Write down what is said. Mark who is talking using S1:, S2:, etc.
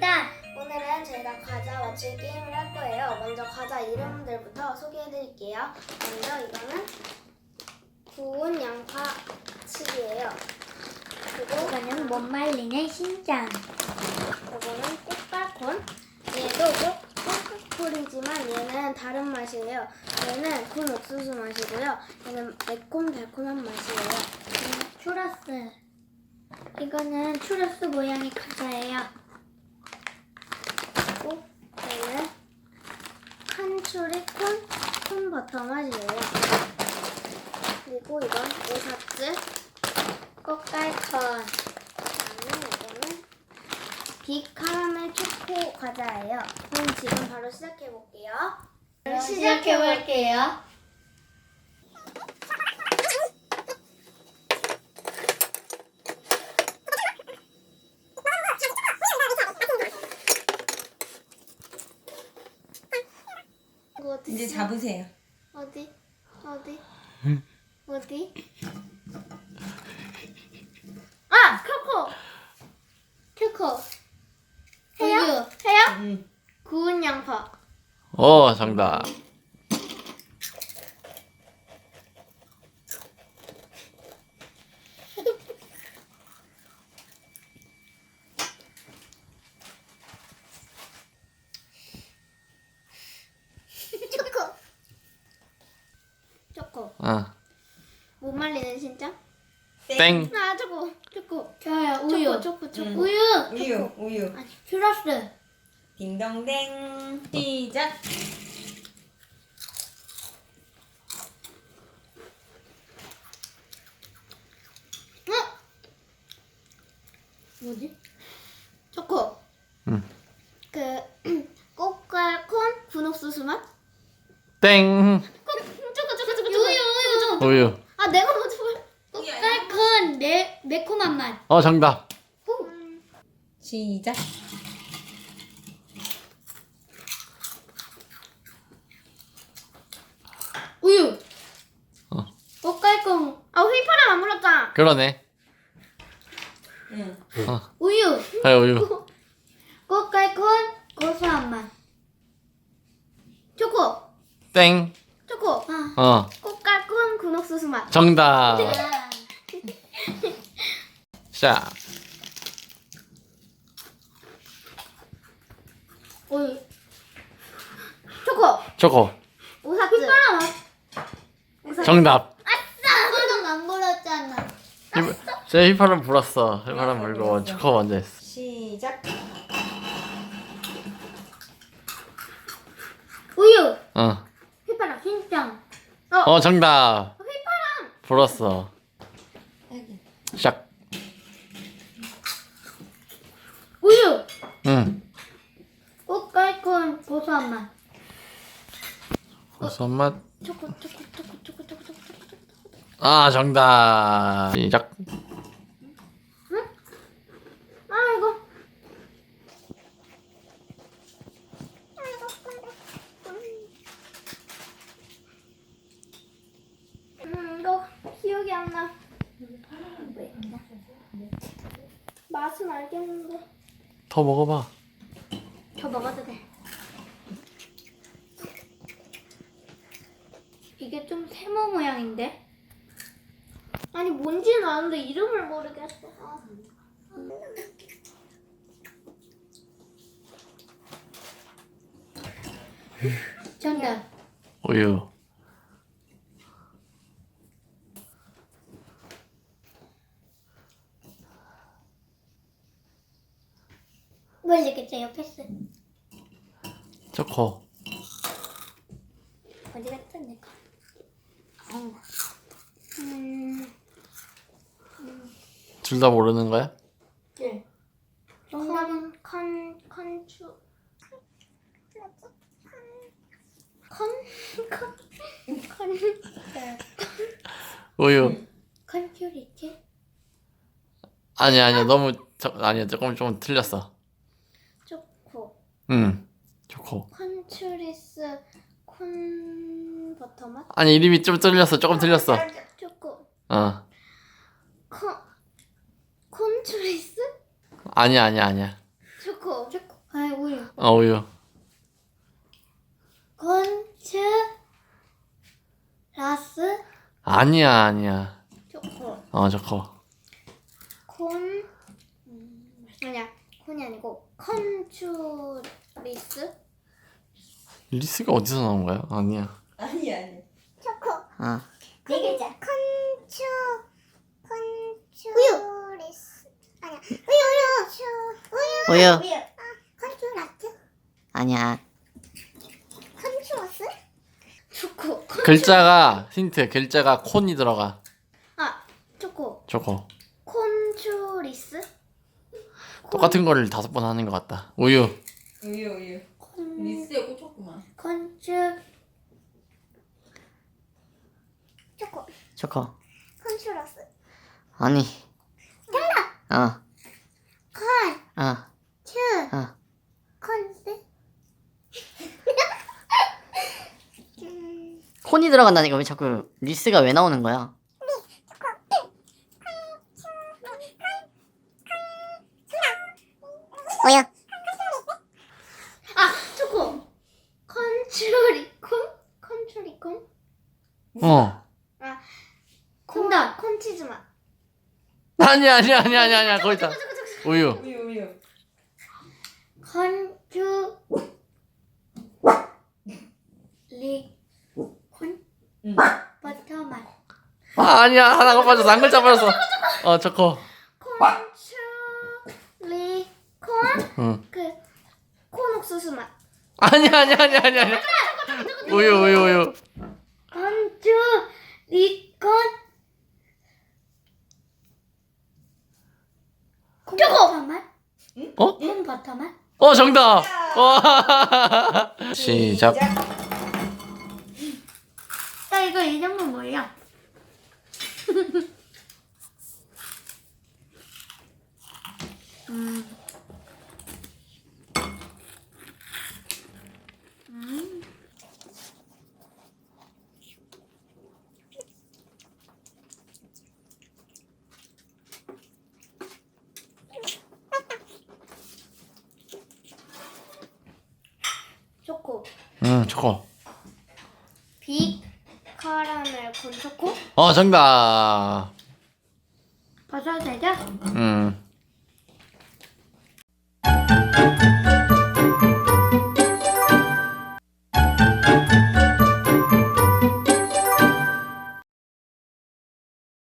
S1: 신짠.
S2: 오늘은 저희가 과자 맞추기 게임을 할 거예요. 먼저 과자 이름들부터 소개해드릴게요. 먼저 이거는 구운 양파 칩이에요. 그리고
S1: 이거는 못 말리는 신짠.
S2: 이거는 꽃갈콘. 얘도 꽃갈콘이지만 얘는 다른 맛이에요. 얘는 군 옥수수 맛이고요. 얘는 매콤달콤한 맛이에요.
S1: 추러스. 이거는 추러스 모양의 과자예요.
S2: 그리고 얘는 칸츄리 콘 버터 맛이에요. 그리고 이건 오사츠
S1: 꽃갈콘.
S2: 그다음에 이거는 비카라멜 초코 과자예요. 그럼 지금 바로 시작해 볼게요.
S1: 시작해볼게요.
S2: 이거 어디
S3: 이제
S2: 있어?
S3: 잡으세요.
S2: 어디? 어디? 아! 초코! 해요?
S1: 우유.
S2: 해요?
S3: 응.
S2: 구운 양파.
S4: 정답.
S2: 초코. 못 말리는 진짜?
S4: 땡.
S2: 아, 초코.
S1: 저요. 우유.
S2: 초코.
S3: 응.
S1: 우유.
S3: 우유.
S1: 추러스.
S3: 딩동댕. 시작.
S1: 뭐지?
S2: 초코.
S4: 응.
S2: 그 꽃갈콘 군옥수수 맛?
S4: 땡.
S2: 초코.
S1: 우유.
S4: 우유.
S2: 아, 내가 먼저 말.
S1: 꽃갈콘 매콤한 맛.
S4: 정답.
S3: 시작.
S1: 우유.
S2: 꽃갈콘. 아, 휘파람 안 불었잖아.
S4: 그러네.
S3: 응.
S1: 우유.
S4: 그래, 우유.
S1: 꽃갈콘 고소한 맛.
S2: 초코.
S4: 땡.
S2: 초코. 꽃갈콘 군옥수수 맛.
S4: 정답. 자,
S2: 우유. 초코.
S4: 초코.
S2: 오사츠. 휘파람 맛.
S4: 정답.
S1: 아빠는 안 불었잖아.
S4: 제 휘파람 불었어. 휘파람 불고 초코 먼저 했어.
S3: 시작.
S1: 우유.
S2: 휘파람.
S1: 신짠.
S4: 정답.
S2: 휘파람.
S4: 불었어.
S3: 여기.
S4: 시작.
S1: 우유.
S4: 응.
S1: 꽃갈콘 고소한 맛.
S4: 고소한 맛.
S2: 초코.
S4: 정답. 시작.
S2: 아, 이거. 이거 기억이 안 나. 맛은 알겠는데.
S4: 더 먹어봐.
S2: 더 먹어도 돼.
S1: 이게 좀 세모 모양인데?
S2: 아니, 뭔지는 아는데 이름을 모르겠어. 아.
S1: 정답.
S4: 우유.
S1: 모르겠어요. 패스.
S4: 초코.
S1: 어디 갔어 내가?
S4: 둘 다 모르는 거야?
S1: 네. 정답은
S2: 컨츄.
S4: 우유.
S1: 컨츄리티?
S4: 아니야. 너무 아니야. 조금 틀렸어.
S2: 초코.
S4: 초코.
S2: 컨츄리스 콘 버터 맛?
S4: 아니, 이름이 좀 틀렸어. 조금 틀렸어.
S2: 초코. 콘츄리스?
S4: 아니야.
S2: 초코.
S1: 우유.
S4: 우유.
S1: 콘츠 라스
S4: 아니야.
S2: 초코.
S4: 초코.
S2: 콘 아니야 콘이 아니고 컨츄리스.
S4: 리스가 어디서 나온 거야? 아니야.
S3: 아니.
S2: 초코.
S3: 어.
S1: 네 글자.
S2: 컨츄리스. 아니야
S3: 우유.
S2: 우유. 컨츄라스.
S3: 아니야.
S2: 컨츄러스. 초코.
S4: 글자가 콘이 들어가.
S2: 초코.
S4: 초코.
S2: 콘츄리스.
S4: 똑같은 거를 5번 하는 것 같다. 우유.
S3: 리스에 꽂혔구만.
S1: 콘츠
S3: 초코.
S2: 컨츄러스.
S3: 아니. 정답.
S2: 컨.
S3: 어.
S2: 츄. 컨스.
S3: 콘이 들어간다니까 왜 자꾸 리스가 왜 나오는 거야? 우유.
S2: 초코. 컨츄리콘. 컨츄리콘. 정답. 콘치즈 맛.
S4: 아니야. 거기 있다. 우유.
S1: 콘츠 리콘 버터 맛.
S4: 아니야. 하나가 빠졌어. 한 글자 빠졌어. 초코.
S2: 콘츄리콘.
S4: 응.
S2: 콘 옥수수 맛.
S4: 아니야. 우유.
S1: 콘츠 리콘 콘 버터 맛. 콘 버터 맛.
S4: 정답. 시작.
S1: 나 이거 이름은 뭐야?
S2: 초코.
S4: 초코.
S2: 빅 카라멜 콘 초코.
S4: 정답.
S1: 버섯 되죠?
S4: 음.